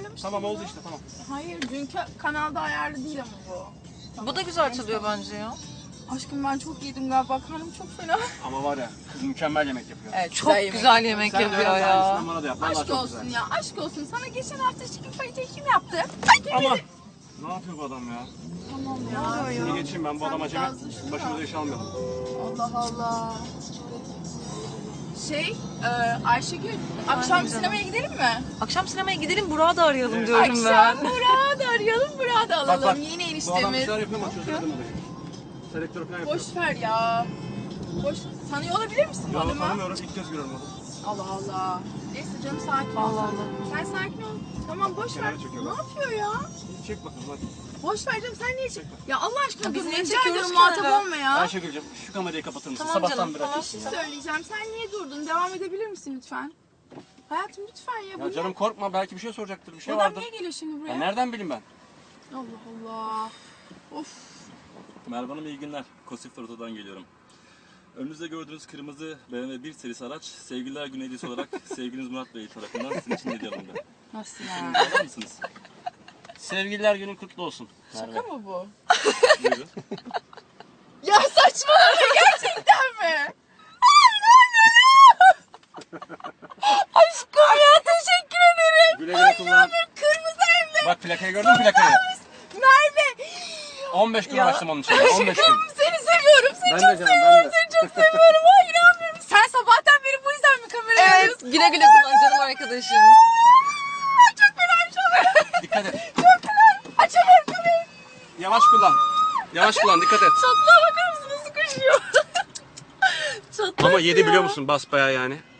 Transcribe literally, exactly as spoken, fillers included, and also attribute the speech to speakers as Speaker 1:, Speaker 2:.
Speaker 1: ayarlamıştım.
Speaker 2: Tamam oldu
Speaker 1: bunu.
Speaker 2: işte tamam.
Speaker 1: Hayır dünkü kanalda ayarlı değil ama bu. Tamam.
Speaker 3: Bu da güzel çalıyor bence ya.
Speaker 1: Aşkım ben çok yedim galiba. Karnım çok fena.
Speaker 2: Ama var ya kız mükemmel yemek yapıyor.
Speaker 1: Evet,
Speaker 3: Çok güzel yemek
Speaker 2: Sen de
Speaker 3: yapıyor
Speaker 2: öğren de
Speaker 3: ya.
Speaker 2: aynısından bana da yap. Vallahi
Speaker 1: Aşk
Speaker 2: çok
Speaker 1: olsun
Speaker 2: güzel.
Speaker 1: ya. Aşk olsun. Sana geçen hafta chicken fajita kim yaptı?
Speaker 2: Ama ne yapıyor bu adam ya?
Speaker 1: Tamam ya.
Speaker 2: Seni geçeyim ben bu
Speaker 1: Sen
Speaker 2: adam acemi.
Speaker 1: biraz düşün
Speaker 2: Başımıza
Speaker 1: da.
Speaker 2: iş almayalım.
Speaker 1: Allah Allah. Şey, e, Ayşegül, akşam
Speaker 3: canım.
Speaker 1: sinemaya gidelim mi?
Speaker 3: Akşam sinemaya gidelim, Burak'ı da arayalım
Speaker 2: Evet.
Speaker 3: diyorum
Speaker 1: Akşam
Speaker 3: ben.
Speaker 1: Burak'ı da arayalım, Burak'ı da alalım.
Speaker 2: Bak bak.
Speaker 1: Yeni
Speaker 2: Bu adam bir
Speaker 1: eniştemiz.
Speaker 2: şeyler yapıyor ama çözemedim olayı. Selektör falan yapıyor.
Speaker 1: Boş ver ya. Boş. Tanıyor olabilir misin bu
Speaker 2: Ya
Speaker 1: adamı?
Speaker 2: tanımıyorum ilk kez görüyorum onu.
Speaker 1: Allah Allah. Neyse canım sakin ol.
Speaker 3: Allah
Speaker 1: sen. Sen sakin ol. Tamam boş ver.
Speaker 2: Kenara çekiyor
Speaker 1: Ne
Speaker 2: bak.
Speaker 1: yapıyor ya?
Speaker 2: Çek bakalım hadi.
Speaker 1: Boş ver canım sen niye çek? Ya Allah aşkına
Speaker 3: Ya biz
Speaker 1: dur.
Speaker 3: niye
Speaker 1: Rica
Speaker 3: çekiyoruz
Speaker 1: ediyorum
Speaker 3: ki
Speaker 1: muhatap
Speaker 3: arada?
Speaker 1: olma ya.
Speaker 2: Ayşegül'cüm şu kamerayı kapatır mısın?
Speaker 3: Tamam
Speaker 2: Sabahtan
Speaker 3: canım,
Speaker 2: beri
Speaker 3: tamam.
Speaker 2: açıyorsun
Speaker 1: Bir
Speaker 2: ya.
Speaker 1: şey söyleyeceğim. Sen niye durdun? Devam edebilir misin lütfen? Hayatım lütfen ya. Bu
Speaker 2: Ya
Speaker 1: ne?
Speaker 2: canım korkma belki bir şey soracaktır bir şey
Speaker 1: Bu adam
Speaker 2: vardır.
Speaker 1: niye geliyor şimdi buraya?
Speaker 2: Ya nereden bileyim ben?
Speaker 1: Allah Allah. Of.
Speaker 4: Merhaba Hanım iyi günler. Kosif Oto'dan geliyorum. Önünüzde gördüğünüz kırmızı B M W bir serisi araç Sevgililer Günü hediyesi olarak sevgiliniz Murat Bey tarafından sizin için hediye alındı.
Speaker 1: Nasıl
Speaker 4: Şimdi alır mısınız?
Speaker 2: Sevgililer günün kutlu olsun.
Speaker 1: Şaka mı bu?
Speaker 4: Buyurun.
Speaker 1: Ya saçmalama gerçekten mi? Aşkım ya teşekkür ederim.
Speaker 2: Güle güle kullan.
Speaker 1: Kırmızı hem de
Speaker 2: Bak plakayı gördün mü plakayı?
Speaker 1: Merve.
Speaker 2: on beş gün uğraştım onun için. on beş gün.
Speaker 1: Seni seviyorum. Seni
Speaker 2: Ben de
Speaker 1: çok
Speaker 2: canım,
Speaker 1: seviyorum.
Speaker 2: ben de.
Speaker 1: Seni çok seviyorum. Ay inanmıyorum. Sen sabahtan beri bu yüzden mi kameraya
Speaker 3: Evet,
Speaker 1: alıyorsun?
Speaker 3: güle güle kullan canım arkadaşım.
Speaker 1: Ay, çok fenaymış o.
Speaker 2: Dikkat et.
Speaker 1: Çok fenay. Açamıyorum kamerayı.
Speaker 2: Yavaş kullan. Yavaş kullan dikkat et.
Speaker 1: Çatlağa bakar mısın nasıl koşuyor? Çatlak
Speaker 2: Ama yedi
Speaker 1: ya.
Speaker 2: biliyor musun basbayağı yani.